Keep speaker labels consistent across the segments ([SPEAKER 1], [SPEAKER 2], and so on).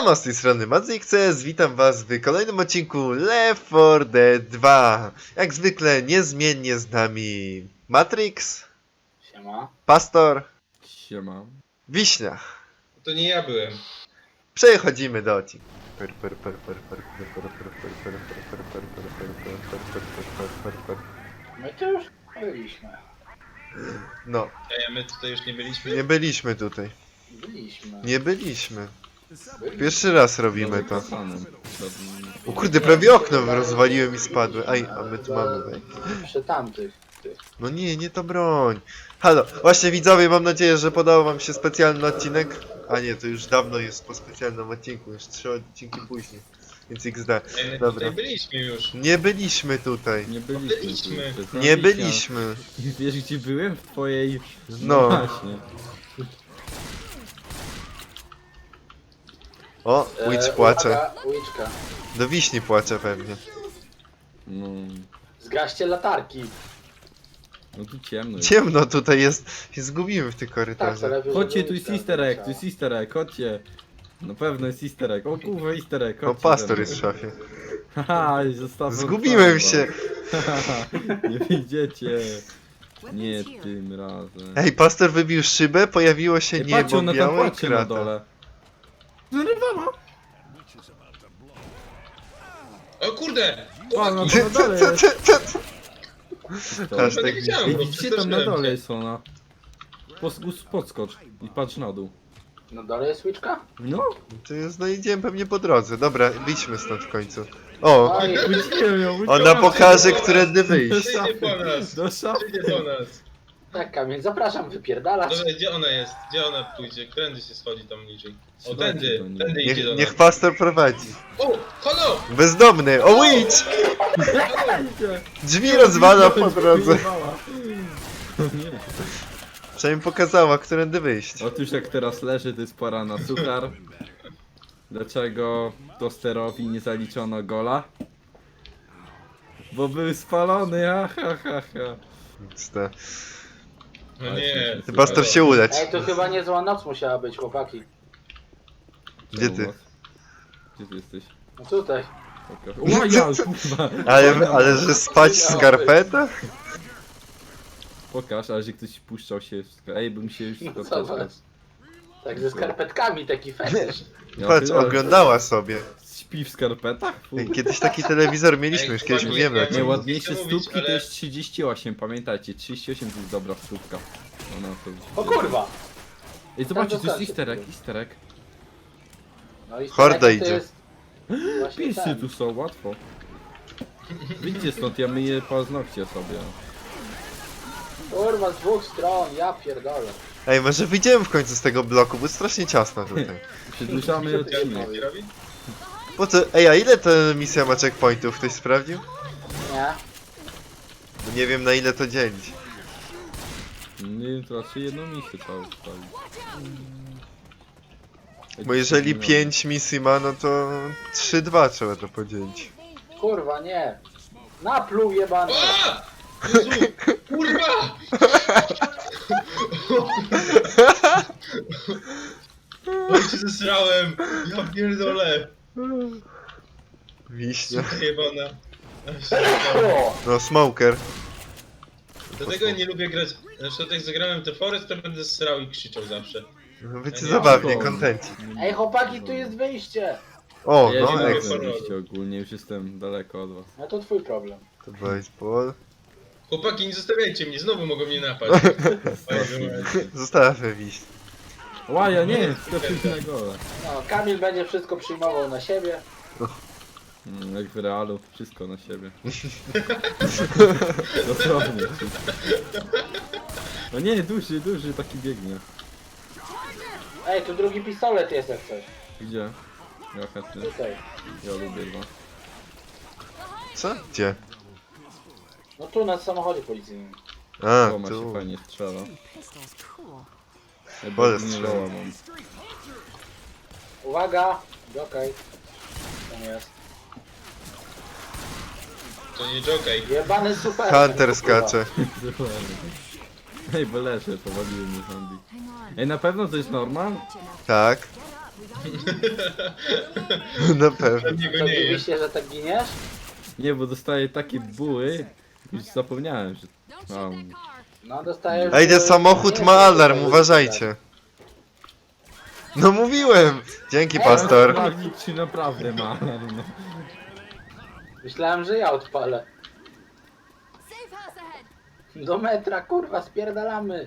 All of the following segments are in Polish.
[SPEAKER 1] Siema, z tej strony MadzikCS, witam was w kolejnym odcinku Left 4 Dead 2. Jak zwykle niezmiennie z nami Matrix,
[SPEAKER 2] Siema.
[SPEAKER 1] Pastor,
[SPEAKER 3] Siema.
[SPEAKER 1] Wiśnia.
[SPEAKER 4] To nie ja byłem.
[SPEAKER 1] Przechodzimy do odcinku.
[SPEAKER 2] My to już byliśmy.
[SPEAKER 1] No,
[SPEAKER 4] My tutaj już nie byliśmy.
[SPEAKER 1] nie byliśmy tutaj.
[SPEAKER 2] Byliśmy.
[SPEAKER 1] Nie byliśmy.
[SPEAKER 2] Byliśmy.
[SPEAKER 1] Pierwszy raz robimy to.
[SPEAKER 3] Panem.
[SPEAKER 1] O kurde, prawie okno rozwaliłem i spadłem. Aj, a my tu mamy wejść.
[SPEAKER 2] Przy tamtych.
[SPEAKER 1] No nie, nie to broń. Halo, właśnie widzowie, mam nadzieję, że podobał wam się specjalny odcinek. A nie, to już dawno jest po specjalnym odcinku, już 3 odcinki później. Więc XD.
[SPEAKER 4] My
[SPEAKER 1] Dobra.
[SPEAKER 4] tutaj byliśmy już.
[SPEAKER 1] Nie byliśmy tutaj.
[SPEAKER 3] Nie byliśmy.
[SPEAKER 4] Byliśmy.
[SPEAKER 3] tu,
[SPEAKER 1] Nie byliśmy.
[SPEAKER 3] I wiesz gdzie byłem? W twojej...
[SPEAKER 1] No.
[SPEAKER 3] Właśnie.
[SPEAKER 1] O, Witch płacze.
[SPEAKER 2] Uwaga, Witchka.
[SPEAKER 1] Do wiśni płacze pewnie.
[SPEAKER 3] No...
[SPEAKER 2] Zgaście latarki.
[SPEAKER 3] No tu ciemno jest.
[SPEAKER 1] Ciemno tutaj jest. Się zgubimy w tych
[SPEAKER 2] Tak,
[SPEAKER 1] korytarzach.
[SPEAKER 2] to lepiej,
[SPEAKER 3] Chodźcie,
[SPEAKER 2] żeby
[SPEAKER 3] tu jest
[SPEAKER 2] Witchka
[SPEAKER 3] easter egg,
[SPEAKER 2] wyleciała.
[SPEAKER 3] tu jest easter egg, chodźcie. Na pewno jest easter egg. O kurwa, easter egg,
[SPEAKER 1] O,
[SPEAKER 3] chodźcie.
[SPEAKER 1] pastor jest w szafie.
[SPEAKER 3] Haha, i zostawiam.
[SPEAKER 1] Zgubiłem się.
[SPEAKER 3] Nie widzicie. Nie tym razem.
[SPEAKER 1] Ej, pastor wybił szybę, pojawiło się
[SPEAKER 3] Ej, patrzcie,
[SPEAKER 1] niebo
[SPEAKER 3] ona tam
[SPEAKER 1] białe i
[SPEAKER 3] patrzy na
[SPEAKER 1] krata.
[SPEAKER 3] dole. Zrywała!
[SPEAKER 4] O kurde!
[SPEAKER 3] O, no
[SPEAKER 4] Chłopaki!
[SPEAKER 3] to na dole jest. To.
[SPEAKER 1] Hashtag
[SPEAKER 4] nie wiedziałem,
[SPEAKER 3] Ej,
[SPEAKER 4] bo
[SPEAKER 3] widzicie tam na
[SPEAKER 4] przestraszyłem
[SPEAKER 3] dole
[SPEAKER 4] się.
[SPEAKER 3] jest ona. Podskocz i patrz na dół.
[SPEAKER 2] Na dole jest Witchka?
[SPEAKER 3] No,
[SPEAKER 1] To już znajdziemy pewnie po drodze. Dobra, wyjdźmy stąd w końcu. O,
[SPEAKER 2] Oj,
[SPEAKER 3] widzicie ją,
[SPEAKER 1] ona pokaże, którędy wyjść.
[SPEAKER 4] Przyjdzie po nas.
[SPEAKER 3] Do szafy.
[SPEAKER 4] Przyjdzie po nas.
[SPEAKER 2] tak Kamil, zapraszam, wypierdalać.
[SPEAKER 4] Dobra, gdzie ona jest? Gdzie ona pójdzie? Którędy się schodzi tam niżej? O,
[SPEAKER 3] Słuchajcie
[SPEAKER 4] tędy.
[SPEAKER 3] do niej.
[SPEAKER 4] Tędy idzie do nas.
[SPEAKER 1] Niech pastor prowadzi.
[SPEAKER 4] O! Halo!
[SPEAKER 1] Bezdomny! O, witch! Drzwi rozwala po drodze.
[SPEAKER 3] Nie.
[SPEAKER 1] Przynajmniej pokazała, którędy wyjść.
[SPEAKER 3] Otóż jak teraz leży, to jest pora na suchar. Dlaczego tosterowi nie zaliczono gola? Bo był spalony, ha ha ha ha.
[SPEAKER 4] No nie.
[SPEAKER 1] Ty pastor się ulecz.
[SPEAKER 2] Ej, to chyba niezła noc musiała być, chłopaki.
[SPEAKER 1] Gdzie ty?
[SPEAKER 3] Gdzie ty jesteś?
[SPEAKER 2] No tutaj.
[SPEAKER 3] Pokaż. O ja, kurwa!
[SPEAKER 1] Ale że spać w skarpetach?
[SPEAKER 3] Pokaż, ale że ktoś puszczał się w Ej, bym się już
[SPEAKER 2] No
[SPEAKER 3] spotkał.
[SPEAKER 2] zobacz. Tak ze skarpetkami taki fetysz.
[SPEAKER 3] Ja
[SPEAKER 1] Patrz,
[SPEAKER 3] pierdolę.
[SPEAKER 1] oglądała sobie.
[SPEAKER 3] Śpi w skarpetach? Fu.
[SPEAKER 1] Kiedyś taki telewizor mieliśmy,
[SPEAKER 4] Ej,
[SPEAKER 1] już kiedyś
[SPEAKER 4] chłopaki,
[SPEAKER 1] mówiłem o
[SPEAKER 4] ja
[SPEAKER 1] tym.
[SPEAKER 4] nie-
[SPEAKER 3] Najładniejsze
[SPEAKER 4] chcę mówić,
[SPEAKER 3] stópki to
[SPEAKER 4] ale-
[SPEAKER 3] jest 38, pamiętajcie, 38 to jest dobra stópka. Ona to...
[SPEAKER 2] O kurwa!
[SPEAKER 3] Ej, zobaczcie,
[SPEAKER 2] Tam
[SPEAKER 3] to jest
[SPEAKER 2] zostańcie.
[SPEAKER 3] easter egg, easter egg.
[SPEAKER 2] No i
[SPEAKER 1] Horda
[SPEAKER 2] to
[SPEAKER 1] idzie.
[SPEAKER 2] jest właśnie
[SPEAKER 3] Pisy
[SPEAKER 2] ten.
[SPEAKER 3] tu są, łatwo. Wyjdźcie stąd, ja myję paznokcie sobie.
[SPEAKER 2] Kurwa, z dwóch stron, ja pierdolę.
[SPEAKER 1] Ej, może wyjdziemy w końcu z tego bloku, bo jest strasznie ciasno tutaj.
[SPEAKER 3] Przedłużamy odcinek.
[SPEAKER 4] Co robi?
[SPEAKER 1] Po co? Ej, a ile ta misja ma checkpointów? Ktoś sprawdził?
[SPEAKER 2] Nie?
[SPEAKER 1] Bo nie wiem na ile to dzielić.
[SPEAKER 3] Nie wiem, to raczej jedną misję trzeba ustawić.
[SPEAKER 1] Bo jeżeli 5 misji ma, no to 3-2 trzeba to podzielić.
[SPEAKER 2] Kurwa, nie. Napluł jebany.
[SPEAKER 4] A! Jezu! Kurwa! Oj, się zesrałem! Ja pierdolę!
[SPEAKER 1] Wiśnia.
[SPEAKER 4] Suka jebana. Ja się zesrałem.
[SPEAKER 2] O!
[SPEAKER 1] No, smoker.
[SPEAKER 4] Dlatego ja nie lubię grać. Zresztą jak zagrałem The Forest, to będę srał i krzyczał zawsze.
[SPEAKER 1] No, wiecie,
[SPEAKER 4] Nie,
[SPEAKER 1] zabawnie,
[SPEAKER 3] szkoda.
[SPEAKER 1] kontenci.
[SPEAKER 2] Ej chłopaki, tu jest wyjście.
[SPEAKER 1] O,
[SPEAKER 3] Ja
[SPEAKER 1] no,
[SPEAKER 3] nie
[SPEAKER 4] jak-
[SPEAKER 3] mogę
[SPEAKER 1] ekstra.
[SPEAKER 3] wyjść ogólnie, już jestem daleko od was.
[SPEAKER 2] No to twój problem.
[SPEAKER 1] To baseball.
[SPEAKER 4] Chłopaki, nie zostawiajcie mnie, znowu mogą mnie napaść.
[SPEAKER 1] Zostawmy wiśnię.
[SPEAKER 3] Łaja, nie, skoczyć na gole.
[SPEAKER 2] No, Kamil będzie wszystko przyjmował na siebie.
[SPEAKER 3] Jak w realu, wszystko na siebie. Dosłownie wszystko. No nie, duży taki biegnie.
[SPEAKER 2] Ej, tu drugi pistolet jest jak coś.
[SPEAKER 3] Gdzie? Ja chętnie,
[SPEAKER 2] Tutaj.
[SPEAKER 3] ja lubię go.
[SPEAKER 1] Co? Gdzie?
[SPEAKER 2] No tu na samochodzie policyjnym.
[SPEAKER 1] A,
[SPEAKER 3] To ma się
[SPEAKER 1] tu.
[SPEAKER 3] fajnie strzela. Ja
[SPEAKER 1] Wolę
[SPEAKER 3] bardzo nie
[SPEAKER 1] strzelać.
[SPEAKER 3] loła mam.
[SPEAKER 2] Uwaga! Okej. Tam jest.
[SPEAKER 4] To nie jokej.
[SPEAKER 2] Jebany super.
[SPEAKER 1] Hunter skacze.
[SPEAKER 3] Ej, bo leżę, powaliły mnie zombie. Ej, na pewno to jest normal?
[SPEAKER 1] Tak. Na pewno.
[SPEAKER 4] Pewnie go
[SPEAKER 2] Co,
[SPEAKER 4] nie jest.
[SPEAKER 2] dziwisz się, że tak giniesz?
[SPEAKER 3] Nie, bo dostaję takie buły, już zapomniałem, że mam.
[SPEAKER 2] No dostajesz...
[SPEAKER 1] Ej, ten samochód
[SPEAKER 2] nie,
[SPEAKER 1] ma
[SPEAKER 2] nie,
[SPEAKER 1] alarm,
[SPEAKER 2] nie,
[SPEAKER 1] uważajcie. No mówiłem! Dzięki, pastor.
[SPEAKER 3] Sprawdzić, czy naprawdę ma. No.
[SPEAKER 2] Myślałem, że ja odpalę.
[SPEAKER 5] Safe house ahead.
[SPEAKER 2] Do metra, kurwa, spierdalamy.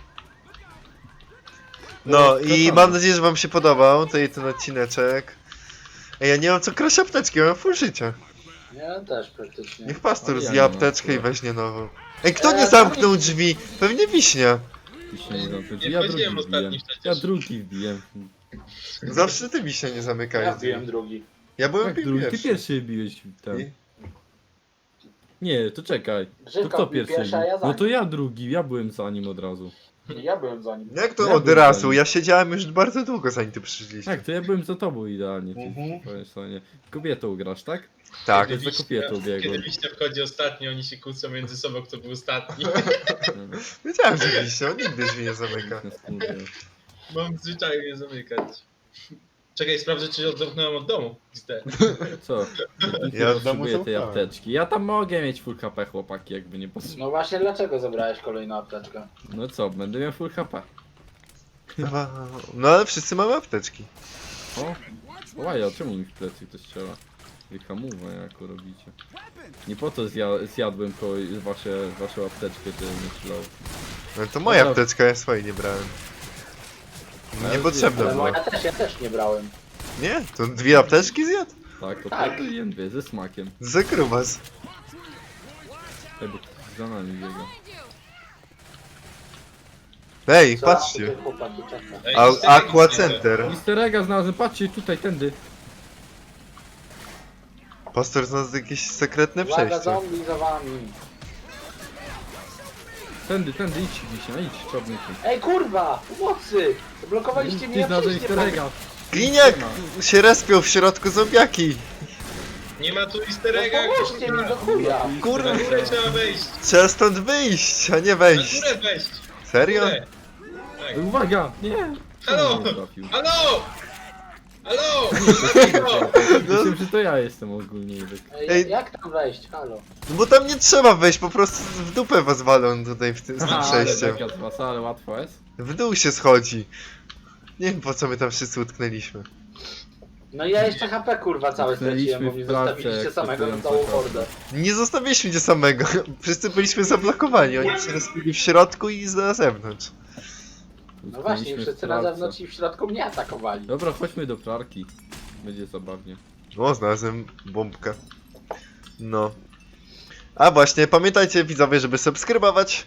[SPEAKER 1] No i mam nadzieję, że wam się podobał ten odcineczek. Ej, ja nie mam co kraść apteczki, ja mam full życia.
[SPEAKER 2] Ja też praktycznie.
[SPEAKER 1] Niech pastor
[SPEAKER 3] Ale ja
[SPEAKER 1] zje
[SPEAKER 3] nie mam
[SPEAKER 1] apteczkę i
[SPEAKER 3] akurat.
[SPEAKER 1] weźmie nową. Ej, kto nie zamknął drzwi? Pewnie Wiśnia.
[SPEAKER 4] Nie
[SPEAKER 3] Ja drugi
[SPEAKER 4] wchodziłem ostatni
[SPEAKER 3] wbiłem.
[SPEAKER 4] przecież.
[SPEAKER 3] Ja drugi wbiłem.
[SPEAKER 1] Zawsze ty Wiśnia nie
[SPEAKER 2] Ja
[SPEAKER 1] zamykałeś
[SPEAKER 2] wbiłem
[SPEAKER 1] drzwi.
[SPEAKER 2] drugi.
[SPEAKER 1] Ja byłem
[SPEAKER 3] Jak drugi? Ty
[SPEAKER 1] pierwszy.
[SPEAKER 3] pierwszy biłeś tam.
[SPEAKER 1] I-
[SPEAKER 3] Nie, to czekaj. To
[SPEAKER 2] Grzywka
[SPEAKER 3] kto
[SPEAKER 2] wbił
[SPEAKER 3] pierwszy
[SPEAKER 2] pierwszy, a ja
[SPEAKER 3] bił?
[SPEAKER 2] za
[SPEAKER 3] No
[SPEAKER 2] nim.
[SPEAKER 3] to ja drugi, ja byłem za nim od razu.
[SPEAKER 2] Ja byłem za nim.
[SPEAKER 1] Jak to
[SPEAKER 3] Ja
[SPEAKER 1] od
[SPEAKER 3] byłem
[SPEAKER 1] razu?
[SPEAKER 3] za nim.
[SPEAKER 1] Ja siedziałem już bardzo długo zanim ty przyszliście.
[SPEAKER 3] Tak, to ja byłem za tobą idealnie.
[SPEAKER 1] Mhm.
[SPEAKER 3] Powiem sobie. Kobietą grasz, tak?
[SPEAKER 1] Tak.
[SPEAKER 3] Kiedy za kobietą biegłem.
[SPEAKER 4] Kiedy Wiśnia wchodzi ostatni, oni się kłócą między sobą, kto był ostatni.
[SPEAKER 1] Wiedziałem, że Wiśnia, on nigdy drzwi nie zamyka.
[SPEAKER 4] Mam zwyczaju nie zamykać. Czekaj, sprawdzę, czy odzamknąłem od domu.
[SPEAKER 3] Co?
[SPEAKER 1] Ja
[SPEAKER 3] Ja
[SPEAKER 1] od domu
[SPEAKER 3] potrzebuję tej
[SPEAKER 1] zaufałem.
[SPEAKER 3] apteczki. Ja tam mogę mieć full HP, chłopaki, jakby nie potrzebował.
[SPEAKER 2] No właśnie, dlaczego zabrałeś kolejną apteczkę?
[SPEAKER 3] No co, będę miał full HP.
[SPEAKER 1] No ale wszyscy mamy apteczki.
[SPEAKER 3] O, łaja, czemu mi w plecy ktoś strzela? Wy hamuwa jako robicie. Nie po to zjadłem waszą apteczkę, żeby nie strzelał.
[SPEAKER 1] No to moja
[SPEAKER 3] Dobra.
[SPEAKER 1] apteczka, ja swojej nie brałem.
[SPEAKER 3] Ale
[SPEAKER 1] Niepotrzebna
[SPEAKER 2] Ale
[SPEAKER 1] była.
[SPEAKER 2] ja też nie brałem.
[SPEAKER 1] Nie? To dwie apteczki zjadł?
[SPEAKER 3] Tak, to
[SPEAKER 2] Tak.
[SPEAKER 3] jem dwie, ze smakiem.
[SPEAKER 1] Za grubas.
[SPEAKER 3] Ej, bo za nami biega.
[SPEAKER 1] Ej,
[SPEAKER 2] Co?
[SPEAKER 1] patrzcie.
[SPEAKER 2] Tutaj chłopaki czeka.
[SPEAKER 4] Ej,
[SPEAKER 1] Aqua Center.
[SPEAKER 3] Mister Ega znalazłem, patrzcie tutaj, tędy.
[SPEAKER 1] Pastor znalazł jakieś sekretne
[SPEAKER 2] Uwaga,
[SPEAKER 1] przejście.
[SPEAKER 2] zombie za wami.
[SPEAKER 3] Tędy, idź, Wiśnia, idź, czarny ty.
[SPEAKER 2] Ej, kurwa! Pomocy! Zablokowaliście mnie,
[SPEAKER 3] Ty
[SPEAKER 2] ja
[SPEAKER 3] znalazłeś
[SPEAKER 2] przejść nie
[SPEAKER 3] Mister
[SPEAKER 2] mogę.
[SPEAKER 3] Ega.
[SPEAKER 1] Gliniak się respią w środku zombiaki.
[SPEAKER 4] Nie ma tu easter
[SPEAKER 2] No
[SPEAKER 4] egga,
[SPEAKER 2] pomóżcie mi do chuja!
[SPEAKER 1] Kurwa,
[SPEAKER 4] Na górę trzeba wejść.
[SPEAKER 1] trzeba stąd wyjść, a nie
[SPEAKER 4] Na
[SPEAKER 1] wejść.
[SPEAKER 4] górę wejść.
[SPEAKER 1] Serio?
[SPEAKER 4] Górę. Tak.
[SPEAKER 3] Uwaga, nie!
[SPEAKER 4] Halo!
[SPEAKER 3] Nie trafił.
[SPEAKER 4] Halo! Halo!
[SPEAKER 3] Myślałem, że to ja jestem ogólnie. Tak.
[SPEAKER 2] Ej,
[SPEAKER 1] Ej.
[SPEAKER 2] jak tam wejść? Halo?
[SPEAKER 1] No bo tam nie trzeba wejść, po prostu w dupę was walą tutaj z tym przejściem.
[SPEAKER 3] Ale taka trasa, ale łatwo jest.
[SPEAKER 1] W dół się schodzi. Nie wiem po co my tam wszyscy utknęliśmy.
[SPEAKER 2] No ja jeszcze HP kurwa całe
[SPEAKER 3] Utknęliśmy
[SPEAKER 2] straciłem, bo mnie
[SPEAKER 3] w pralce,
[SPEAKER 2] zostawiliście
[SPEAKER 3] jak
[SPEAKER 2] samego na
[SPEAKER 3] stosująca
[SPEAKER 2] całą
[SPEAKER 3] karta.
[SPEAKER 2] hordę.
[SPEAKER 1] Nie zostawiliśmy cię samego. Wszyscy byliśmy zablokowani. Oni się rozbili w środku i na zewnątrz.
[SPEAKER 2] No właśnie,
[SPEAKER 3] Utknęliśmy w
[SPEAKER 2] wszyscy na
[SPEAKER 3] pralce.
[SPEAKER 2] zewnątrz i w środku mnie atakowali.
[SPEAKER 3] Dobra, chodźmy do pralki. Będzie zabawnie.
[SPEAKER 1] O, znalazłem bombkę. No. A właśnie, pamiętajcie widzowie, żeby subskrybować.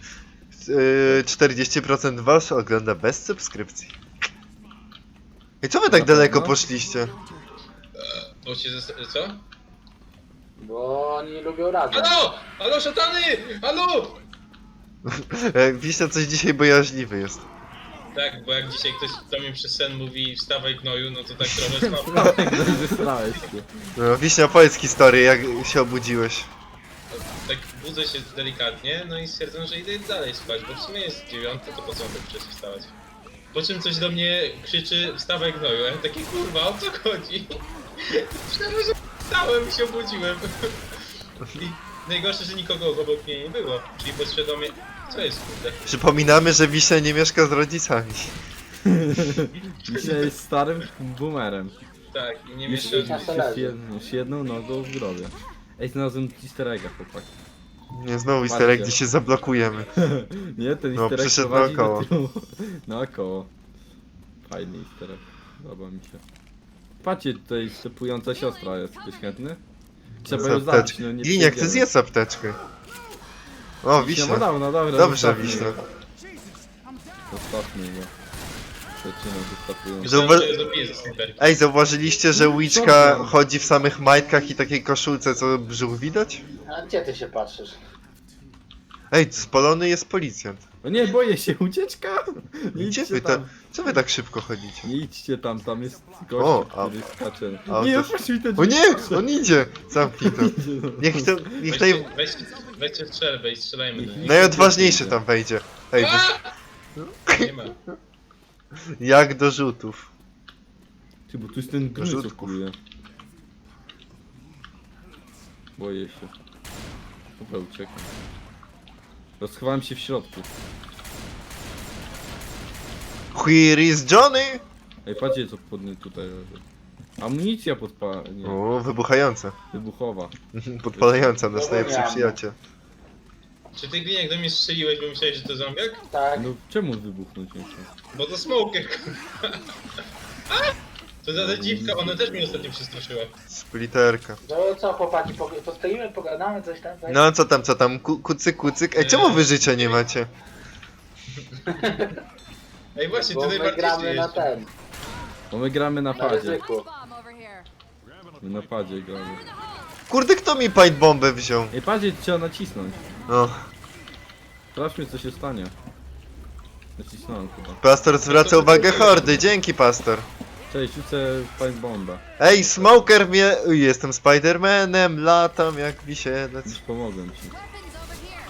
[SPEAKER 1] 40% was ogląda bez subskrypcji. I co wy tak
[SPEAKER 3] Na
[SPEAKER 1] daleko
[SPEAKER 3] pewno?
[SPEAKER 1] poszliście?
[SPEAKER 4] Bo się co?
[SPEAKER 2] Bo oni lubią razem.
[SPEAKER 4] Halo! Halo, szatany! Halo!
[SPEAKER 1] Wiśnia coś dzisiaj bojaźliwy jest.
[SPEAKER 4] Tak, bo jak dzisiaj ktoś do mnie przez sen mówi wstawaj gnoju, no to tak trochę słabo.
[SPEAKER 3] Zesrałeś się.
[SPEAKER 1] No, Wiśnia, powiedz historię, jak się obudziłeś.
[SPEAKER 4] Tak budzę się delikatnie, no i stwierdzam, że idę dalej spać, bo w sumie jest 9, to po co mam tak wcześnie wstawać? Po czym coś do mnie krzyczy wstawaj gnoju, ja takie kurwa, o co chodzi? Myślałem, że wstałem i się obudziłem. I najgorsze, że nikogo obok mnie nie było, czyli podświadomie, co jest kurde?
[SPEAKER 1] Przypominamy, że Wiśnia nie mieszka z rodzicami.
[SPEAKER 3] Dzisiaj jest starym boomerem.
[SPEAKER 4] Tak, i nie
[SPEAKER 3] Już,
[SPEAKER 4] mieszkam...
[SPEAKER 2] na solarze.
[SPEAKER 3] już jedną nogą w grobie. Ej, znalazłem easter egga, chłopak.
[SPEAKER 1] Nie, znowu easter egg, gdzie się zablokujemy.
[SPEAKER 3] Nie, ten
[SPEAKER 1] No,
[SPEAKER 3] easter egg
[SPEAKER 1] przyszedł
[SPEAKER 3] prowadzi
[SPEAKER 1] naokoło.
[SPEAKER 3] do tyłu. Naokoło. Fajny easter egg. Podoba mi się. Patrzcie, tutaj stepująca siostra jest. Ktoś chętny? Trzeba ją zabić,
[SPEAKER 1] Apteczkę.
[SPEAKER 3] no nie
[SPEAKER 1] Gliniak, ty
[SPEAKER 3] przejdziemy.
[SPEAKER 1] zjedz apteczkę. O,
[SPEAKER 3] Wiśnia,
[SPEAKER 1] Wiśnia.
[SPEAKER 3] no dobra,
[SPEAKER 1] Dobrze,
[SPEAKER 3] zostawmy
[SPEAKER 1] Wiśnia.
[SPEAKER 3] go. Zostawmy go. Zaczynam wystapując.
[SPEAKER 4] Myślałem, że zabiję ze snajperki.
[SPEAKER 1] Ej, zauważyliście, że Witchka chodzi w samych majtkach i takiej koszulce, co brzuch widać?
[SPEAKER 2] A gdzie ty się patrzysz?
[SPEAKER 1] Ej, spalony jest policjant.
[SPEAKER 3] O nie, boję się, ucieczka! Nie
[SPEAKER 1] Gdzie
[SPEAKER 3] idźcie
[SPEAKER 1] wy
[SPEAKER 3] tam.
[SPEAKER 1] tam? Co wy tak szybko chodzicie?
[SPEAKER 3] Nie idźcie tam, tam jest
[SPEAKER 1] O,
[SPEAKER 3] gość,
[SPEAKER 1] a-
[SPEAKER 3] który skacze.
[SPEAKER 1] a
[SPEAKER 3] Nie,
[SPEAKER 1] to-
[SPEAKER 3] patrz mi to
[SPEAKER 1] O nie! On idzie! Zamknij to. Niech to... Niech naj...
[SPEAKER 4] Weźcie strzelbę i strzelajmy do nich.
[SPEAKER 1] najodważniejszy tam wejdzie. Ej, bo...
[SPEAKER 4] Nie ma.
[SPEAKER 1] jak do rzutów.
[SPEAKER 3] Ty, bo tu jest ten gnój, co
[SPEAKER 1] Rzutków.
[SPEAKER 3] kuluje. Boję się. Dobra, uciekam. Rozchowałem się w środku.
[SPEAKER 1] Here is Johnny!
[SPEAKER 3] Ej, patrzcie co podnie tutaj leży. Amunicja nie,
[SPEAKER 1] O, wybuchająca.
[SPEAKER 3] wybuchowa.
[SPEAKER 1] Podpalająca nasz najlepszy
[SPEAKER 2] Zapomniałem.
[SPEAKER 1] przyjaciel.
[SPEAKER 4] Czy ty gliniak do mnie strzeliłeś, bo myślałeś, że to zombiak?
[SPEAKER 2] Tak.
[SPEAKER 3] No czemu wybuchnąć nie chciał?
[SPEAKER 4] Bo to smoker, kurwa. To za dziwka, ona też mnie ostatnio przestraszyła.
[SPEAKER 1] Splitterka.
[SPEAKER 2] No co chłopaki, postoimy, pogadamy coś tam? Tak?
[SPEAKER 1] No co tam? Kucyk, kucyk. Ej, czemu wy życia nie macie?
[SPEAKER 4] Ej, właśnie,
[SPEAKER 2] Bo
[SPEAKER 4] ty
[SPEAKER 2] my
[SPEAKER 4] najbardziej
[SPEAKER 2] gramy na
[SPEAKER 4] żyjesz.
[SPEAKER 2] ten,
[SPEAKER 3] Bo my gramy na
[SPEAKER 2] na
[SPEAKER 3] padzie.
[SPEAKER 2] ryzyku.
[SPEAKER 5] Bomb over here.
[SPEAKER 3] My na padzie gramy.
[SPEAKER 1] Kurde, kto mi paint bombę wziął?
[SPEAKER 3] Ej, padzie trzeba nacisnąć.
[SPEAKER 1] No.
[SPEAKER 3] Sprawdźmy co się stanie. Nacisnąłem chyba.
[SPEAKER 1] Pastor zwraca uwagę hordy, dzięki pastor.
[SPEAKER 3] Cześć, rzucę fine bombę.
[SPEAKER 1] Ej, smoker mnie... Uj, jestem Spidermanem, latam jak wisielec.
[SPEAKER 3] Już pomogłem ci.
[SPEAKER 5] Weapons over here.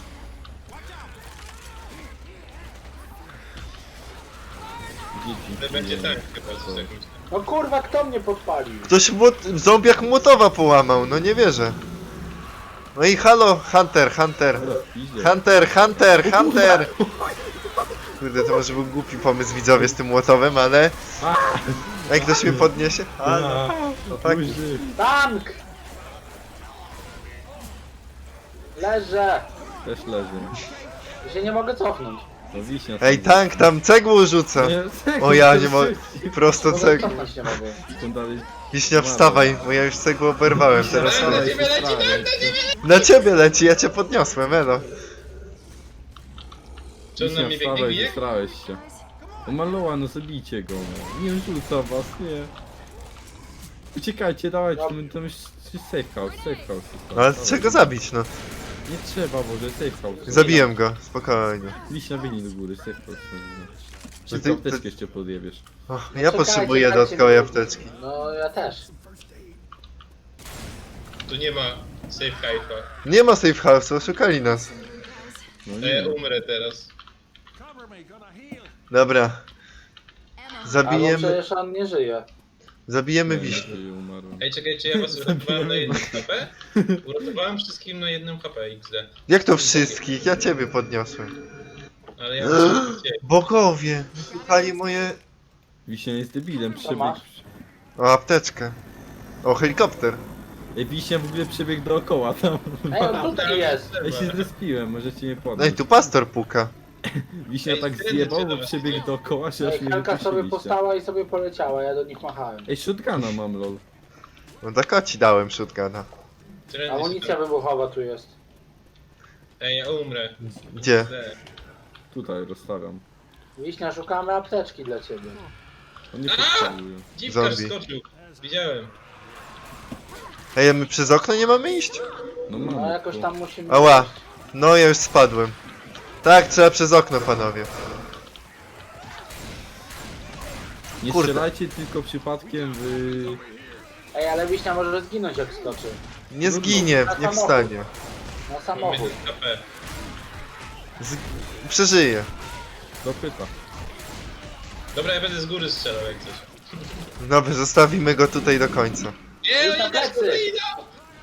[SPEAKER 3] Dzieci.
[SPEAKER 4] To będzie tak chyba, coś jakimś.
[SPEAKER 2] No kurwa, kto mnie podpalił?
[SPEAKER 1] Ktoś zombiak młotowa połamał, no nie wierzę. No i halo, Hunter.
[SPEAKER 3] Idzie.
[SPEAKER 1] Hunter! Kurde, to może był głupi pomysł widzowie z tym młotowem, ale... Ej, ktoś mnie podniesie? Halo. No tak.
[SPEAKER 3] Burzy.
[SPEAKER 2] Tank! Leżę!
[SPEAKER 3] Też leży.
[SPEAKER 2] Ja się nie mogę cofnąć.
[SPEAKER 3] No wiśnia.
[SPEAKER 1] Ej, tank tam cegłą rzuca. O ja nie mogę. Prosto
[SPEAKER 2] Mogę
[SPEAKER 1] cegłą.
[SPEAKER 2] cofnąć nie mogę.
[SPEAKER 3] Tam dalej.
[SPEAKER 1] Wiśnia, wstawaj, bo ja już cegłą oberwałem, teraz
[SPEAKER 4] Na
[SPEAKER 1] leci.
[SPEAKER 4] ciebie leci, tak, na ciebie!
[SPEAKER 1] Na ciebie leci, ja cię podniosłem, elo.
[SPEAKER 4] Czy on na
[SPEAKER 3] Wiśnia,
[SPEAKER 4] mnie biegnie,
[SPEAKER 3] wstawaj,
[SPEAKER 4] bije?
[SPEAKER 3] zestrałeś się. O Maloa, no zabijcie go. No. Nie rzuca was, nie. Uciekajcie, dawajcie, tam już safe house jest tam.
[SPEAKER 1] No ale
[SPEAKER 3] Dawaj.
[SPEAKER 1] czego zabić, no?
[SPEAKER 3] Nie trzeba, może safe house.
[SPEAKER 1] Zabiłem go, spokojnie.
[SPEAKER 3] Wiśnia, biegnij do góry, safe house.
[SPEAKER 1] No
[SPEAKER 3] Szybko
[SPEAKER 1] ty-
[SPEAKER 3] apteczkę jeszcze podjebiesz.
[SPEAKER 1] O, ja
[SPEAKER 2] Czekajcie,
[SPEAKER 1] potrzebuję
[SPEAKER 2] dajcie
[SPEAKER 1] dodatkowej
[SPEAKER 2] mi-
[SPEAKER 1] apteczki.
[SPEAKER 2] No ja też.
[SPEAKER 4] Tu nie ma safe haifa.
[SPEAKER 1] Nie ma safe house, oszukali nas.
[SPEAKER 3] No
[SPEAKER 4] To
[SPEAKER 3] nie.
[SPEAKER 4] ja umrę teraz.
[SPEAKER 1] Dobra,
[SPEAKER 5] Ammo.
[SPEAKER 2] Albo
[SPEAKER 1] zabijemy,
[SPEAKER 2] przecież on nie żyje.
[SPEAKER 1] zabijemy
[SPEAKER 3] Nie,
[SPEAKER 1] wiśnię.
[SPEAKER 3] nie, umarłem.
[SPEAKER 4] Ej, czekaj, czy ja was uratowałem na jednym HP? Uratowałem wszystkim na jednym HP XD.
[SPEAKER 1] Jak to wszystkich? Ja ciebie podniosłem.
[SPEAKER 4] Ale ja muszę cię.
[SPEAKER 1] Bogowie, wypali moje...
[SPEAKER 3] Wiśnia jest debilem,
[SPEAKER 2] Co
[SPEAKER 3] przebiegł.
[SPEAKER 2] masz?
[SPEAKER 1] O, apteczkę. O, helikopter.
[SPEAKER 3] Ej, Wiśnia w ogóle przebiegł dookoła tam.
[SPEAKER 2] Ej, on tutaj jest!
[SPEAKER 3] Ja się zrespiłem, możecie mnie podnieść.
[SPEAKER 1] Ej, tu pastor puka.
[SPEAKER 3] Wiśnia
[SPEAKER 4] Ej,
[SPEAKER 3] tak
[SPEAKER 4] skręcę
[SPEAKER 3] zjebał,
[SPEAKER 4] cię
[SPEAKER 3] bo
[SPEAKER 4] do was,
[SPEAKER 3] przebiegł
[SPEAKER 4] nie?
[SPEAKER 3] dookoła, że aż
[SPEAKER 2] Ej,
[SPEAKER 3] mnie
[SPEAKER 2] Hanka sobie
[SPEAKER 3] wypuściliście.
[SPEAKER 2] postała i sobie poleciała, ja do nich machałem.
[SPEAKER 3] Ej, shotguna mam, lol.
[SPEAKER 1] No tak ci dałem shotguna.
[SPEAKER 2] Amunicja wybuchowa tu jest.
[SPEAKER 4] Ej, ja umrę.
[SPEAKER 1] Gdzie?
[SPEAKER 4] XD.
[SPEAKER 3] Tutaj rozstawiam.
[SPEAKER 2] Wiśnia, szukamy apteczki dla ciebie.
[SPEAKER 3] On nie potrzebuje.
[SPEAKER 4] Dziwkarz
[SPEAKER 1] Zombie.
[SPEAKER 4] skoczył. Widziałem.
[SPEAKER 1] Ej, a my przez okno nie mamy iść?
[SPEAKER 3] No
[SPEAKER 2] No
[SPEAKER 3] mam.
[SPEAKER 2] jakoś tam musimy...
[SPEAKER 1] Ała.
[SPEAKER 2] iść.
[SPEAKER 1] No, ja już spadłem. Tak, trzeba przez okno, panowie.
[SPEAKER 3] Nie
[SPEAKER 1] Kurde.
[SPEAKER 3] strzelajcie tylko przypadkiem w...
[SPEAKER 2] Ej, ale Wiśnia może zginąć jak skoczy.
[SPEAKER 1] Nie zginie, nie wstanie.
[SPEAKER 2] Na
[SPEAKER 4] Mam
[SPEAKER 2] samochód.
[SPEAKER 4] 1 HP.
[SPEAKER 1] Przeżyje.
[SPEAKER 3] Dopyta.
[SPEAKER 4] Dobra, ja będę z góry strzelał jak coś.
[SPEAKER 1] Dobra, zostawimy go tutaj do końca.
[SPEAKER 4] Nie,
[SPEAKER 2] Idź na
[SPEAKER 4] oni też
[SPEAKER 2] plecy.
[SPEAKER 4] tutaj idą!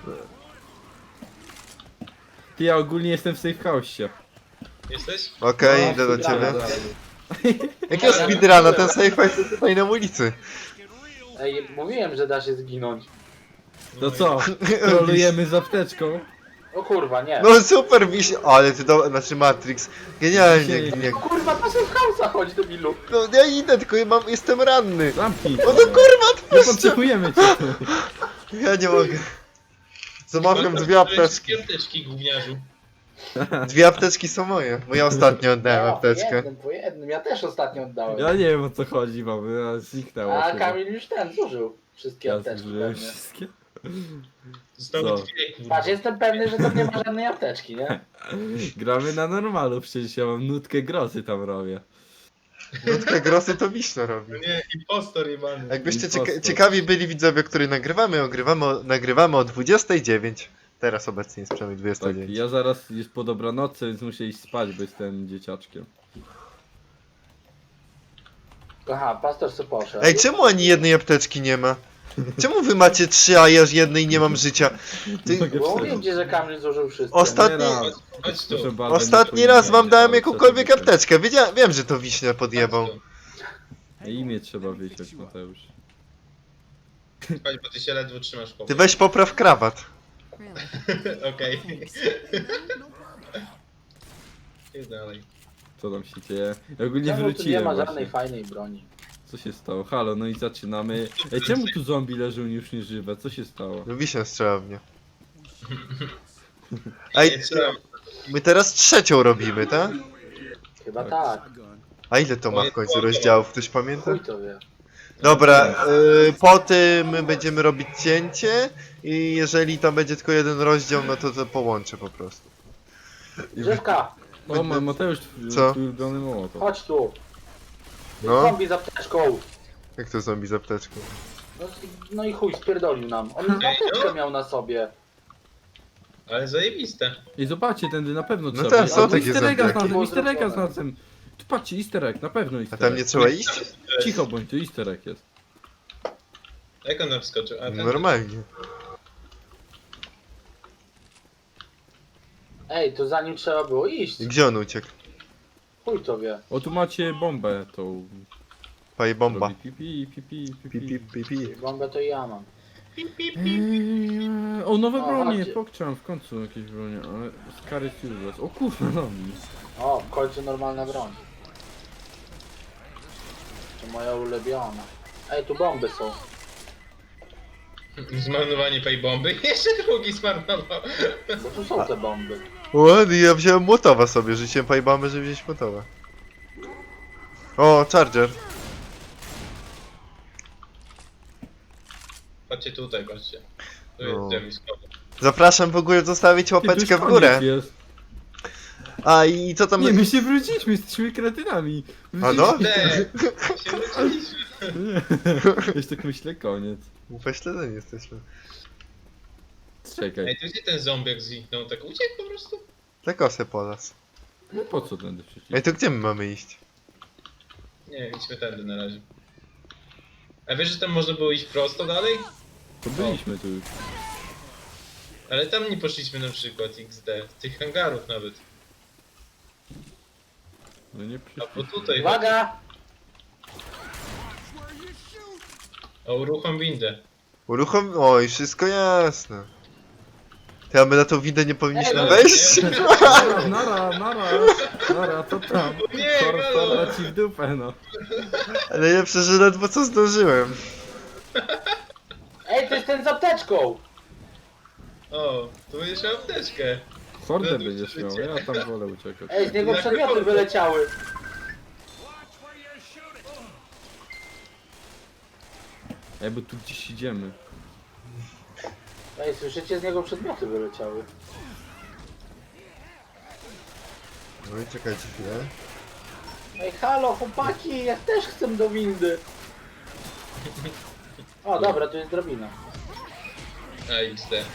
[SPEAKER 3] Ty, ja ogólnie jestem w safe house'ie.
[SPEAKER 4] Jesteś?
[SPEAKER 1] Okej,
[SPEAKER 2] No,
[SPEAKER 1] idę do ciebie.
[SPEAKER 2] dobra.
[SPEAKER 1] Jakiego speedruna? Ten safe house jest tutaj na ulicy.
[SPEAKER 2] Ej, mówiłem, że da się zginąć.
[SPEAKER 3] To co? Trolujemy z apteczką?
[SPEAKER 2] O kurwa, nie.
[SPEAKER 1] No super, ale ty znaczy Matrix. Genialnie, nie.
[SPEAKER 2] O kurwa, to się w hałsa chodź do bilu.
[SPEAKER 1] No ja idę, tylko jestem ranny.
[SPEAKER 3] Zamknij!
[SPEAKER 1] No to kurwa,
[SPEAKER 3] Nie
[SPEAKER 1] odpuśćcie.
[SPEAKER 3] potrzebujemy cię tu!
[SPEAKER 1] Ja nie mogę. Zamawiam dwie apteczki.
[SPEAKER 4] Apteczki, gówniarzu.
[SPEAKER 1] Dwie apteczki są moje, bo ja ostatnio oddałem
[SPEAKER 2] No,
[SPEAKER 1] apteczkę.
[SPEAKER 2] po jednym, ja też ostatnio oddałem.
[SPEAKER 3] Ja nie wiem o co chodzi, mamy, a zniknęło
[SPEAKER 2] A
[SPEAKER 3] chyba.
[SPEAKER 2] Kamil już zużył wszystkie
[SPEAKER 3] Ja
[SPEAKER 2] apteczki
[SPEAKER 3] zużyłem
[SPEAKER 2] pewnie.
[SPEAKER 3] wszystkie.
[SPEAKER 4] Zostały
[SPEAKER 3] Co?
[SPEAKER 4] dwie, kurwa.
[SPEAKER 2] Patrz, jestem pewny, że to nie ma żadnej apteczki, nie?
[SPEAKER 3] Gramy na normalu, przecież ja mam nutkę grozy tam robię.
[SPEAKER 1] Nutkę grosy to wiśno robi.
[SPEAKER 4] No nie, impostor jebany.
[SPEAKER 1] Jakbyście
[SPEAKER 3] Impostor.
[SPEAKER 1] ciekawi byli widzowie, który nagrywamy o 29. Teraz obecnie jest przynajmniej
[SPEAKER 3] Tak,
[SPEAKER 1] 29.
[SPEAKER 3] ja zaraz jest po dobranocy, więc muszę iść spać, bo jestem dzieciaczkiem.
[SPEAKER 2] Aha, pastor se poszedł.
[SPEAKER 1] Ej, czemu ani jednej apteczki nie ma? Czemu wy macie 3, a ja już jednej nie mam życia? Ty,
[SPEAKER 3] Mogę
[SPEAKER 2] Bo
[SPEAKER 3] przeżyć.
[SPEAKER 2] mówię ci, że Kamil zużył wszystko.
[SPEAKER 1] Ostatni-
[SPEAKER 3] Nie raz.
[SPEAKER 4] Chodź tu.
[SPEAKER 3] Proszę bardzo,
[SPEAKER 1] ostatni
[SPEAKER 3] nie
[SPEAKER 1] raz wam
[SPEAKER 3] powinien
[SPEAKER 1] dałem
[SPEAKER 3] być,
[SPEAKER 1] jakąkolwiek
[SPEAKER 3] ale
[SPEAKER 1] apteczkę. Wiem, że to wiśnia podjebał.
[SPEAKER 4] Chodź tu.
[SPEAKER 3] Imię trzeba wiedzieć, Mateusz.
[SPEAKER 4] Chodź, bo ty się ledwo trzymasz w
[SPEAKER 1] Ty weź popraw krawat.
[SPEAKER 5] Really?
[SPEAKER 4] Okej.
[SPEAKER 5] Thanks.
[SPEAKER 4] Idź dalej.
[SPEAKER 3] Co tam się dzieje? Ja ogólnie
[SPEAKER 2] Czemu tu nie
[SPEAKER 3] wróciłem
[SPEAKER 2] ma
[SPEAKER 3] właśnie.
[SPEAKER 2] żadnej fajnej broni?
[SPEAKER 3] Co się stało? Halo, no i zaczynamy. Ej, czemu tu zombie leżą już nieżywe? Co się stało?
[SPEAKER 1] No wiśnia strzela w mnie.
[SPEAKER 4] Nie
[SPEAKER 1] Ej,
[SPEAKER 4] strzelam.
[SPEAKER 1] my teraz trzecią robimy, tak?
[SPEAKER 2] Chyba tak.
[SPEAKER 1] A ile to ma w końcu rozdziałów? Ktoś pamięta?
[SPEAKER 2] Chuj to wie.
[SPEAKER 1] Dobra, po tym będziemy robić cięcie i jeżeli tam będzie tylko jeden rozdział, no to połączę po prostu.
[SPEAKER 2] Drzewka,
[SPEAKER 3] O, Mateusz,
[SPEAKER 1] Co?
[SPEAKER 3] twój ulubiony mołotow.
[SPEAKER 2] chodź tu.
[SPEAKER 1] No,
[SPEAKER 2] Zombie z apteczką.
[SPEAKER 1] jak to zombie z apteczką?
[SPEAKER 2] No i chuj, spierdolił nam. On apteczkę miał na sobie.
[SPEAKER 4] Ale zajebiste.
[SPEAKER 3] I zobaczcie, tędy na pewno
[SPEAKER 1] No
[SPEAKER 3] trzeba
[SPEAKER 1] tak,
[SPEAKER 3] iść.
[SPEAKER 1] są
[SPEAKER 3] Albo
[SPEAKER 1] takie
[SPEAKER 3] easter egga
[SPEAKER 1] zombiaki.
[SPEAKER 3] znalazłem, easter egga znalazłem. Tu patrzcie, easter egg, na pewno
[SPEAKER 1] A
[SPEAKER 3] easter
[SPEAKER 1] tam
[SPEAKER 3] egg.
[SPEAKER 1] nie trzeba iść?
[SPEAKER 3] Cicho bądź, tu easter egg jest.
[SPEAKER 4] Jak on tam wskoczył? A ten...
[SPEAKER 1] Normalnie.
[SPEAKER 2] Ej, to za nim trzeba było iść.
[SPEAKER 1] Gdzie on uciekł?
[SPEAKER 2] Chuj to wie.
[SPEAKER 3] O, tu macie bombę tą.
[SPEAKER 1] Paj bomba.
[SPEAKER 3] Robi pipi, pipi,
[SPEAKER 1] Pi,
[SPEAKER 3] pipi.
[SPEAKER 1] pi, pi, pi.
[SPEAKER 2] Bombę to ja mam.
[SPEAKER 3] O, nowe
[SPEAKER 2] O,
[SPEAKER 3] bronie,
[SPEAKER 2] chodźcie.
[SPEAKER 3] pokczam w końcu jakieś bronie, ale Scary Useless. O kurwa, no mi.
[SPEAKER 2] O, w końcu normalna broń. To moja ulubiona. Ej, tu bomby są.
[SPEAKER 4] Zmarnowanie tej bomby. Jeszcze drugi zmarnował.
[SPEAKER 2] Bo tu są te bomby.
[SPEAKER 1] Ładnie, ja wziąłem młotowa sobie, rzuciłem paj bomby, żeby wziąć młotowa. O, charger.
[SPEAKER 4] Patrzcie tutaj, patrzcie. Tu
[SPEAKER 1] No.
[SPEAKER 4] jest zamiskowy.
[SPEAKER 1] Zapraszam w ogóle zostawić
[SPEAKER 3] Ty, tu już
[SPEAKER 1] łapeczkę w
[SPEAKER 3] koniec
[SPEAKER 1] górę.
[SPEAKER 3] Jest.
[SPEAKER 1] A i co tam...
[SPEAKER 3] Nie, my się wróciliśmy, jesteśmy kretynami.
[SPEAKER 1] A no?
[SPEAKER 4] Te! Się wróciliśmy.
[SPEAKER 3] Już tak myślę, koniec.
[SPEAKER 1] Upośledzeni jesteśmy.
[SPEAKER 3] Czekaj,
[SPEAKER 4] Ej, to gdzie ten zombiak zniknął? Tak uciekł po prostu?
[SPEAKER 1] Za kosę po las.
[SPEAKER 3] no po co tędy przecież?
[SPEAKER 1] Ej, to gdzie my mamy iść?
[SPEAKER 4] Nie, idźmy tędy na razie. A wiesz, że tam można było iść prosto dalej?
[SPEAKER 3] To byliśmy tu już.
[SPEAKER 4] Ale tam nie poszliśmy na przykład XD. Tych hangarów nawet.
[SPEAKER 3] No nie
[SPEAKER 4] A
[SPEAKER 3] przyszliśmy.
[SPEAKER 4] bo tutaj...
[SPEAKER 2] Uwaga!
[SPEAKER 4] O, uruchom windę.
[SPEAKER 1] Uruchom... Oj, wszystko jasne. To ja my na tą windę nie powinniśmy
[SPEAKER 2] Ej,
[SPEAKER 1] wejść?
[SPEAKER 3] Nara, co tam?
[SPEAKER 4] Nie, halo!
[SPEAKER 3] Korpora ci w dupę, no.
[SPEAKER 1] Ale najlepsze, że ledwo co zdążyłem.
[SPEAKER 2] Ej, to jest ten z apteczką!
[SPEAKER 4] O, tu będziesz miał apteczkę.
[SPEAKER 3] Hordę będziesz miał, ja tam wolę uciekać.
[SPEAKER 2] Ej, z niego przedmioty wyleciały.
[SPEAKER 3] Ej, bo tu gdzieś idziemy.
[SPEAKER 2] Ej, słyszycie? Z niego przedmioty wyleciały.
[SPEAKER 1] No i czekajcie chwilę.
[SPEAKER 2] Ej, halo, chłopaki, ja też chcę do windy. O, dobra, tu jest drabina.
[SPEAKER 4] A, XD.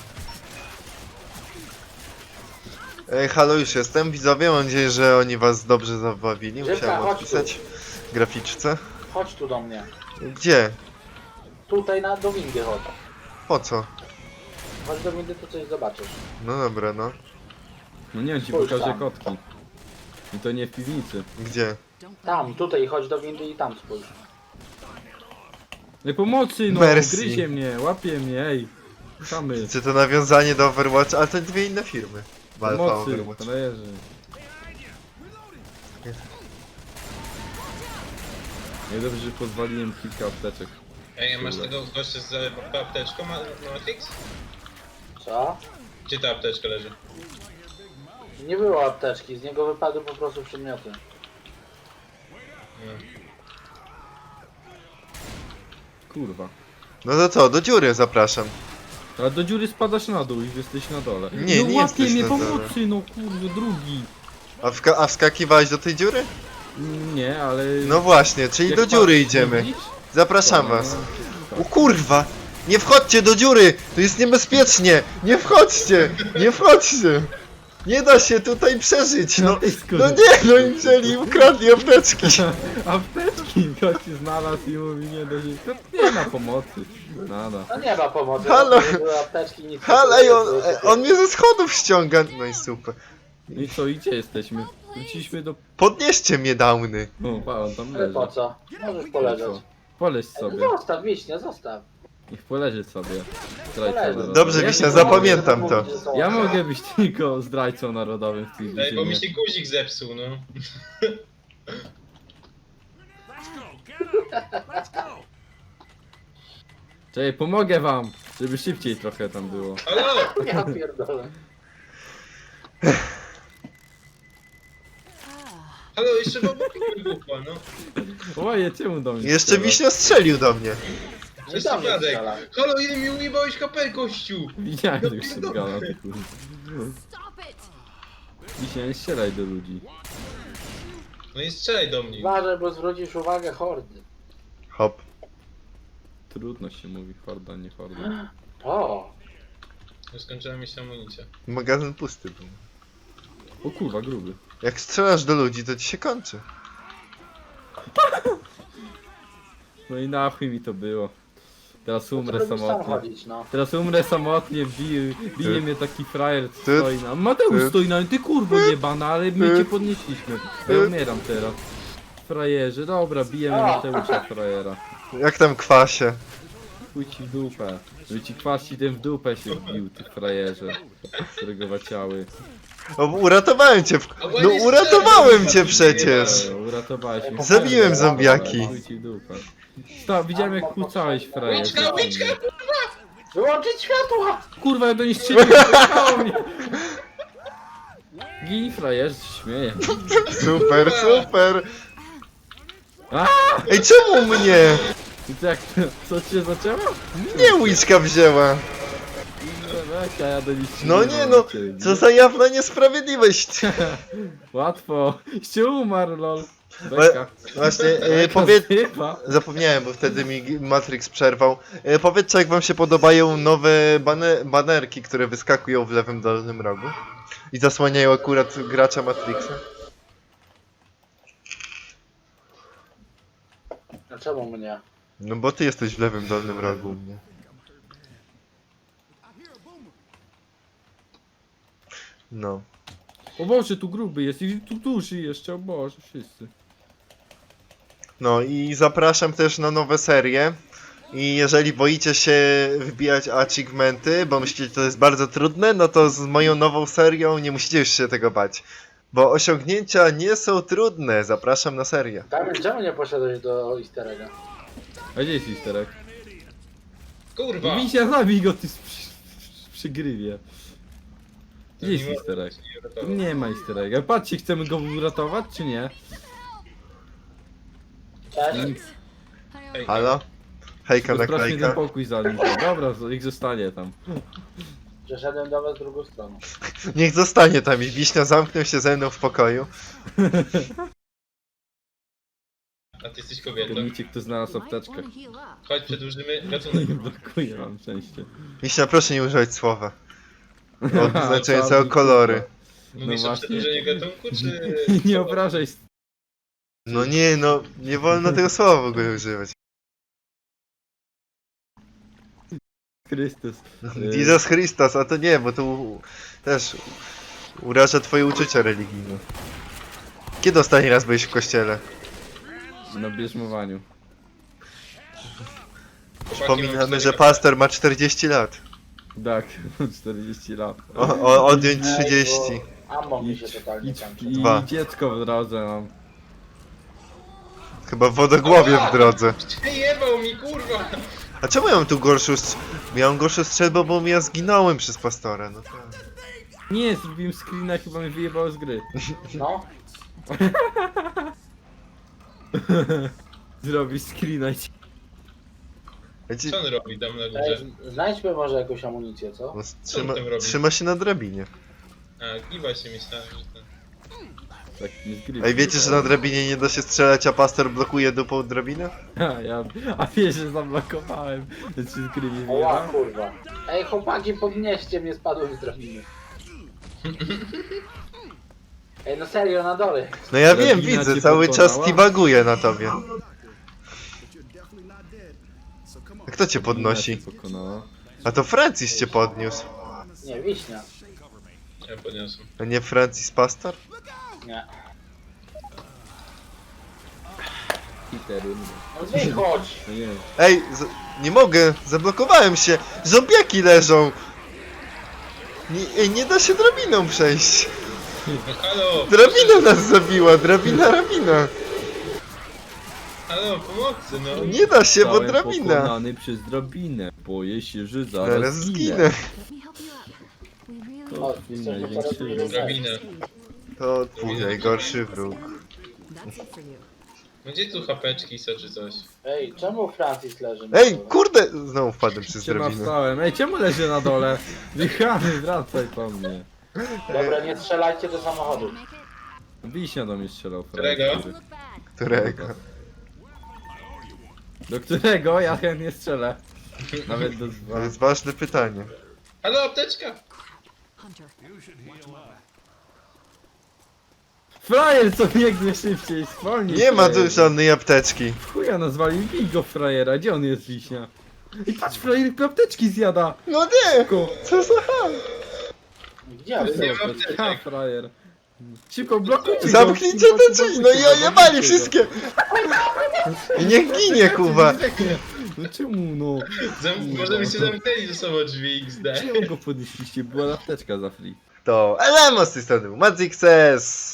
[SPEAKER 1] Ej, halo, już jestem. Widzowie, mam nadzieję, że oni was dobrze zabawili.
[SPEAKER 2] Grzybka,
[SPEAKER 1] Musiałem
[SPEAKER 2] chodź
[SPEAKER 1] odpisać graficzce.
[SPEAKER 2] Chodź tu do mnie.
[SPEAKER 1] Gdzie?
[SPEAKER 2] Tutaj do windy chodź.
[SPEAKER 1] Po co?
[SPEAKER 2] Chodź do windy, to coś zobaczysz.
[SPEAKER 1] No dobra, no.
[SPEAKER 3] No nie, ci
[SPEAKER 2] Spójrz
[SPEAKER 3] pokażę
[SPEAKER 2] tam.
[SPEAKER 3] kotki. I to nie w piwnicy.
[SPEAKER 1] Gdzie?
[SPEAKER 2] Tam, tutaj chodź do windy i tam spójrz.
[SPEAKER 3] Ej, pomocy, no!
[SPEAKER 1] Merci.
[SPEAKER 3] Gryzie mnie, łapie mnie, ej! Szamy.
[SPEAKER 1] Czy to nawiązanie do Overwatch? Ale to dwie inne firmy. Alpha
[SPEAKER 3] Pomocy,
[SPEAKER 1] Overwatch.
[SPEAKER 3] frajerzy. Nie dobrze, że pozwoliłem kilka apteczek.
[SPEAKER 4] Ej, a masz tego gościa z apteczką, Matrix?
[SPEAKER 2] Co?
[SPEAKER 4] Gdzie ta apteczka leży?
[SPEAKER 2] Nie było apteczki, z niego wypadły po prostu przedmioty.
[SPEAKER 4] No.
[SPEAKER 3] Kurwa.
[SPEAKER 1] No to co, do dziury zapraszam.
[SPEAKER 3] Ale do dziury spadasz na dół i jesteś na dole.
[SPEAKER 1] Nie,
[SPEAKER 3] no
[SPEAKER 1] nie
[SPEAKER 3] łapie
[SPEAKER 1] jesteś
[SPEAKER 3] mnie
[SPEAKER 1] na dole.
[SPEAKER 3] pomocy, no kurde, drugi.
[SPEAKER 1] A wskakiwałeś do tej dziury?
[SPEAKER 3] Nie, ale...
[SPEAKER 1] No właśnie, czyli
[SPEAKER 3] Jak
[SPEAKER 1] do dziury
[SPEAKER 3] patrz,
[SPEAKER 1] idziemy.
[SPEAKER 3] widzisz?
[SPEAKER 1] Zapraszam
[SPEAKER 3] To,
[SPEAKER 1] was.
[SPEAKER 3] no,
[SPEAKER 1] O kurwa! Nie wchodźcie do dziury! To jest niebezpiecznie! Nie wchodźcie! Nie wchodźcie! Nie da się tutaj przeżyć, no!
[SPEAKER 3] Ej, skąd?
[SPEAKER 1] No nie, no i wzięli i ukradli apteczki!
[SPEAKER 3] Apteczki? Gości znalazł i mówi nie do nich. To nie ma pomocy. Nada.
[SPEAKER 2] No nie ma pomocy.
[SPEAKER 1] Halo.
[SPEAKER 2] Nie były apteczki, nic.
[SPEAKER 1] Halo, ej, on mnie ze schodów ściąga. No i super.
[SPEAKER 3] I co, i gdzie jesteśmy? Wróciliśmy do...
[SPEAKER 1] Podnieście mnie, downy.
[SPEAKER 3] O, pa, on tam
[SPEAKER 2] Ale
[SPEAKER 3] leży.
[SPEAKER 2] po co? Możesz poleżeć.
[SPEAKER 3] Poleź
[SPEAKER 2] No
[SPEAKER 3] sobie.
[SPEAKER 2] zostaw, Wiśnia, zostaw.
[SPEAKER 3] Niech poleży sobie. Zdrajca
[SPEAKER 2] Poleży.
[SPEAKER 3] narodowy.
[SPEAKER 1] Dobrze,
[SPEAKER 3] Ja
[SPEAKER 1] Wiśnia,
[SPEAKER 3] nie
[SPEAKER 1] zapamiętam
[SPEAKER 3] mogę-
[SPEAKER 1] to.
[SPEAKER 3] Ja mogę być tylko zdrajcą narodowym w tej
[SPEAKER 4] Ej, bo mi
[SPEAKER 3] drużynie.
[SPEAKER 4] się guzik zepsuł, no.
[SPEAKER 3] Czekaj, pomogę wam, żeby szybciej trochę tam było.
[SPEAKER 4] Halo!
[SPEAKER 2] Ja pierdolę.
[SPEAKER 4] Halo, jeszcze babuki wybuchła, no.
[SPEAKER 3] Oje, czemu do mnie
[SPEAKER 1] Jeszcze
[SPEAKER 3] strzela?
[SPEAKER 1] Wiśnia strzelił do mnie.
[SPEAKER 2] Nie
[SPEAKER 4] Przez
[SPEAKER 2] do mnie
[SPEAKER 4] przypadek.
[SPEAKER 2] strzela.
[SPEAKER 4] Halo, ile mi ujebałeś HP, gościu!
[SPEAKER 3] Widziałem,
[SPEAKER 4] No
[SPEAKER 3] że już się
[SPEAKER 4] pierdolę.
[SPEAKER 3] zgala, ty kurwa.
[SPEAKER 5] Stop it!
[SPEAKER 3] Dzisiaj nie strzelaj do ludzi.
[SPEAKER 4] No i strzelaj do mnie.
[SPEAKER 2] Uważaj, bo zwrócisz uwagę hordy.
[SPEAKER 1] Hop.
[SPEAKER 3] Trudno się mówi, horda, nie horda.
[SPEAKER 2] O,
[SPEAKER 4] Już skończyła mi się amunicja.
[SPEAKER 1] Magazyn pusty był.
[SPEAKER 3] O kurwa, gruby.
[SPEAKER 1] Jak strzelasz do ludzi, to ci się kończy.
[SPEAKER 3] No i na chuj mi to było. Teraz umrę
[SPEAKER 2] to lubisz sam
[SPEAKER 3] samotnie.
[SPEAKER 2] chodzić, no.
[SPEAKER 3] Teraz umrę samotnie, bije mnie taki frajer, co
[SPEAKER 1] Ty-
[SPEAKER 3] stoi na... Mateusz
[SPEAKER 1] ty-
[SPEAKER 3] stoi na... Ty kurwo jebana, ale my
[SPEAKER 1] ty-
[SPEAKER 3] cię podnieśliśmy. Ja umieram teraz. Frajerze, dobra, bijemy
[SPEAKER 2] A.
[SPEAKER 3] Mateusza frajera.
[SPEAKER 1] Jak tam kwasie?
[SPEAKER 3] Chuj ci w dupę. Żeby ci kwaści ten w dupę się wbił, ty frajerze. Którego waciały.
[SPEAKER 1] O, uratowałem cię. No uratowałem cię przecież.
[SPEAKER 3] Uratowałeś mnie.
[SPEAKER 1] Zabiłem zombiaki.
[SPEAKER 3] Chuj ci w dupę. Stał, widziałem jak kłócałeś frajerze.
[SPEAKER 4] Łyczka!
[SPEAKER 2] Wyłączyć światła!
[SPEAKER 3] Kurwa, ja do niej strzeliłem, wyjechało mnie. Gin frajerze, się śmieje.
[SPEAKER 1] Super, super.
[SPEAKER 3] A!
[SPEAKER 1] Ej, czemu mnie?
[SPEAKER 3] I co, jak, co cię zaczęło?
[SPEAKER 1] Nie łyczka wzięła.
[SPEAKER 3] Beka, ja do nich
[SPEAKER 1] No
[SPEAKER 3] strzeliłem,
[SPEAKER 1] nie no,
[SPEAKER 3] cię,
[SPEAKER 1] co za jawna niesprawiedliwość.
[SPEAKER 3] Łatwo. Ście umarł, lol. Beka.
[SPEAKER 1] Właśnie,
[SPEAKER 3] Beka
[SPEAKER 1] powiedz...
[SPEAKER 3] zdywa.
[SPEAKER 1] Zapomniałem, bo wtedy mi Matrix przerwał. Powiedzcie, jak wam się podobają nowe banerki, które wyskakują w lewym dolnym rogu. I zasłaniają akurat gracza Matrixa.
[SPEAKER 2] A czemu mnie?
[SPEAKER 1] No bo ty jesteś w lewym dolnym rogu u mnie. No.
[SPEAKER 3] O Boże, tu gruby jest i tu duży jeszcze, o Boże, wszyscy.
[SPEAKER 1] No i zapraszam też na nowe serie. I jeżeli boicie się wbijać achievementy, bo myślicie, że to jest bardzo trudne, no to z moją nową serią nie musicie już się tego bać. Bo osiągnięcia nie są trudne. Zapraszam na serię.
[SPEAKER 2] Damian, czemu nie poszedłeś do easter egga?
[SPEAKER 3] A gdzie jest listerek?
[SPEAKER 4] Kurwa!
[SPEAKER 3] Widzia, zabij go, ty przy grywie. Gdzie jest listerek? Tu nie ma listerek. Patrzcie, chcemy go uratować, czy nie?
[SPEAKER 2] Cześć.
[SPEAKER 4] Ej,
[SPEAKER 1] Halo? Hejka
[SPEAKER 3] Sprawdźmy ten
[SPEAKER 1] naklejka.
[SPEAKER 3] pokój za nim. Dobra, niech zostanie tam.
[SPEAKER 2] Przeszedłem do was drugą stroną.
[SPEAKER 1] Niech zostanie tam i Wiśnia zamknął się ze mną w pokoju.
[SPEAKER 4] A ty jesteś kobietą.
[SPEAKER 3] Zgadnijcie, kto znalazł
[SPEAKER 5] Might
[SPEAKER 3] apteczkę.
[SPEAKER 5] wanna heal up.
[SPEAKER 4] Chodź, przedłużymy gatunek.
[SPEAKER 3] Brakuje wam szczęście.
[SPEAKER 1] Wiśnia, proszę nie używać słowa. Oznaczającego kolory.
[SPEAKER 4] Mówisz o
[SPEAKER 3] właśnie.
[SPEAKER 4] przedłużeniu gatunku, czy...
[SPEAKER 3] Nie obrażaj.
[SPEAKER 1] No nie, no, nie wolno tego słowa w ogóle używać.
[SPEAKER 3] Chrystus.
[SPEAKER 1] Jezus Chrystus, a to nie, bo to też uraża twoje uczucia religijne. Kiedy ostatni raz byłeś w kościele?
[SPEAKER 3] Na bierzmowaniu.
[SPEAKER 1] Przypominamy, że pastor ma 40 lat.
[SPEAKER 3] Tak, 40 lat.
[SPEAKER 1] Odjąć 30.
[SPEAKER 2] Ammo mi się totalnie
[SPEAKER 3] I,
[SPEAKER 2] kończy.
[SPEAKER 3] i
[SPEAKER 1] Dwa.
[SPEAKER 3] dziecko w drodze mam.
[SPEAKER 1] Chyba w wodogłowie w drodze.
[SPEAKER 4] Jebał mi, kurwa!
[SPEAKER 1] A czemu ja mam tu gorszą Miałem gorszą strzelbę, bo ja zginąłem przez pastora, no tak.
[SPEAKER 3] Nie, zrobiłem screena, chyba mnie wyjebało z gry.
[SPEAKER 2] No,
[SPEAKER 3] Zrobić screena i...
[SPEAKER 1] Wiecie,
[SPEAKER 4] Co on robi tam na
[SPEAKER 2] ej,
[SPEAKER 4] górze?
[SPEAKER 2] znajdźmy może jakąś amunicję, co?
[SPEAKER 1] no,
[SPEAKER 4] Co on tam robi?
[SPEAKER 1] trzyma się na drabinie.
[SPEAKER 4] A, kiwa się myślałem, że ten...
[SPEAKER 3] Tak, nie z gry.
[SPEAKER 1] Ej, wiecie, że na drabinie nie da się strzelać, a pastor blokuje dupą drabinę?
[SPEAKER 3] A wiesz, że zablokowałem, więc się z gry nie
[SPEAKER 2] Oła,
[SPEAKER 3] wyjebałem.
[SPEAKER 2] kurwa. Ej, chłopaki, podnieście mnie, spadłem z drabiny. Ej, no serio, na dole.
[SPEAKER 1] No ja wiem,
[SPEAKER 3] Drabina
[SPEAKER 1] widzę,
[SPEAKER 3] cię
[SPEAKER 1] cały czas
[SPEAKER 3] pokonała?
[SPEAKER 1] tibaguję na tobie. Kto cię podnosi?
[SPEAKER 3] Mina cię pokonała.
[SPEAKER 1] A to Francis cię podniósł.
[SPEAKER 2] Nie, wiśnia.
[SPEAKER 4] Ja podniosłem.
[SPEAKER 1] A nie Francis Pastor?
[SPEAKER 2] Nie.
[SPEAKER 3] Hitery.
[SPEAKER 2] No wychodź!
[SPEAKER 3] No nie,
[SPEAKER 1] Ej, nie mogę, zablokowałem się. Zombiaki leżą. Nie da się drabiną przejść.
[SPEAKER 4] No halo!
[SPEAKER 1] Drabina nas zabiła, drabina.
[SPEAKER 4] Halo, pomocy, no.
[SPEAKER 1] Nie da się, bo
[SPEAKER 3] zostałem
[SPEAKER 1] drabina.
[SPEAKER 3] pokonany przez drabinę. Boję się, że zaraz
[SPEAKER 1] Zaraz
[SPEAKER 3] zginę.
[SPEAKER 1] zginę.
[SPEAKER 5] Let me help you up. We really
[SPEAKER 3] To
[SPEAKER 2] O,
[SPEAKER 3] twój
[SPEAKER 2] chcesz
[SPEAKER 3] największy
[SPEAKER 2] dopiero
[SPEAKER 3] wróg.
[SPEAKER 4] Drabinę.
[SPEAKER 1] To twój najgorszy wróg.
[SPEAKER 5] That's it for you.
[SPEAKER 4] No gdzie tu chapeczki są czy coś?
[SPEAKER 2] Ej, czemu Francis leży na
[SPEAKER 1] Ej,
[SPEAKER 2] dole?
[SPEAKER 1] kurde! Znowu wpadłem przez
[SPEAKER 3] Cię
[SPEAKER 1] drabinę.
[SPEAKER 3] wstałem. Ej, czemu leży na dole? Wichany, wracaj po mnie.
[SPEAKER 2] Dobra, nie strzelajcie do samochodu.
[SPEAKER 5] Make it?
[SPEAKER 3] Wiśnia do mnie strzelał.
[SPEAKER 4] Którego?
[SPEAKER 3] frajer.
[SPEAKER 5] Look bad.
[SPEAKER 1] Którego?
[SPEAKER 3] Do którego? Ja chętnie strzelę. Nawet do
[SPEAKER 1] To
[SPEAKER 3] dwa.
[SPEAKER 1] jest ważne pytanie.
[SPEAKER 4] Halo, apteczka!
[SPEAKER 5] Hunter.
[SPEAKER 3] Frajer, co biegnie szybciej, zwolnij.
[SPEAKER 1] Nie ma tu
[SPEAKER 3] frajerze.
[SPEAKER 1] żadnej apteczki.
[SPEAKER 3] Chuja nazwali, bij go frajera, gdzie on jest wiśnia? I patrz, frajer apteczki zjada!
[SPEAKER 1] No nie!
[SPEAKER 3] Szybko!
[SPEAKER 1] Co za ham?
[SPEAKER 2] Gdzie ale
[SPEAKER 4] Nie ma
[SPEAKER 3] Zobacz,
[SPEAKER 4] apteczek.
[SPEAKER 3] ha, frajer. Szybko, blokujcie go!
[SPEAKER 1] Zamknijcie te drzwi! No i ojebali wszystkie! I niech ginie, kuwa!
[SPEAKER 3] No czemu no?
[SPEAKER 4] Może byście zamknęli ze sobą drzwi XD.
[SPEAKER 3] Czemu go podnieśliście? Była apteczka za free.
[SPEAKER 1] To Elemo z tej strony był Madzixes.